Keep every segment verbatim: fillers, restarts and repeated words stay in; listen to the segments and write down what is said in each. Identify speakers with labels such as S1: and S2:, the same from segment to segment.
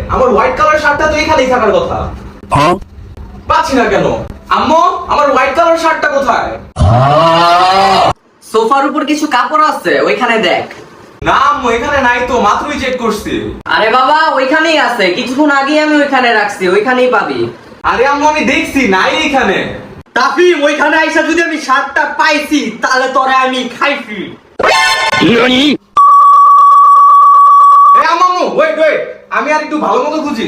S1: আমার white colour শার্টটা তো এখানেই থাকার কথা। পাচ্ছি না কেন? আম্মু, আমার হোয়াইট কালার শার্টটা কোথায়?
S2: সোফার উপর কিছু কাপড় আছে, ওইখানে দেখ।
S1: না আম্মু, এখানে নাই তো, মাত্রই চেক করছি।
S2: আরে বাবা, ওইখানেই আছে, কিছুক্ষণ আগেই আমি ওইখানে রাখছি, ওইখানেই পাবি।
S1: আরে আম্মু, আমি দেখছি নাই এখানে।
S2: তাফিম, ওইখানে আইসা যদি আমি শার্টটা পাইছি তাহলে তোরে আমি খাইছি।
S1: এ আম্মু, ওয়েট ওয়েট, আমি আর একটু ভালো মতো খুঁজি।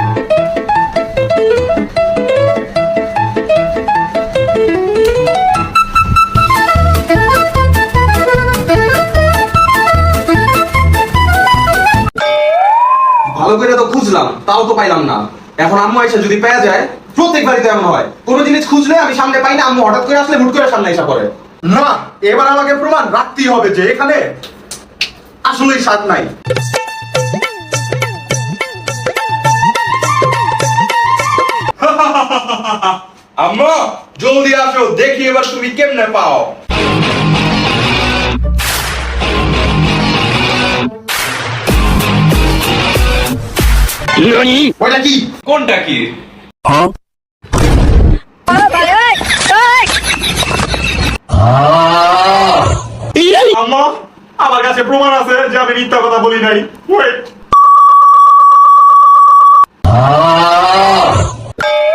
S1: ভালো করে তো খুঁজলাম, তাও তো পাইলাম না। এখন আম্মু আইসা যদি পেয়ে যায়, প্রত্যেক বাড়িতে এমন হয়, কোনো জিনিস খুঁজলে আমি সামনে পাই না, আম্মু হঠাৎ করে আসলে হুট করে সামনে এসে পড়ে।
S3: না, এবার আমাকে প্রমাণ রাখতেই হবে যে এখানে আসলেই স্বাদ নাই। আম্মা, জলদি আসো, দেখি এবার তুমি কেমনে পাও। ওইটা কি?
S1: কোনটা কি?
S3: আম্মা, আমার কাছে প্রমাণ আছে যে আমি মিথ্যা কথা বলি নাই। ওয়েট।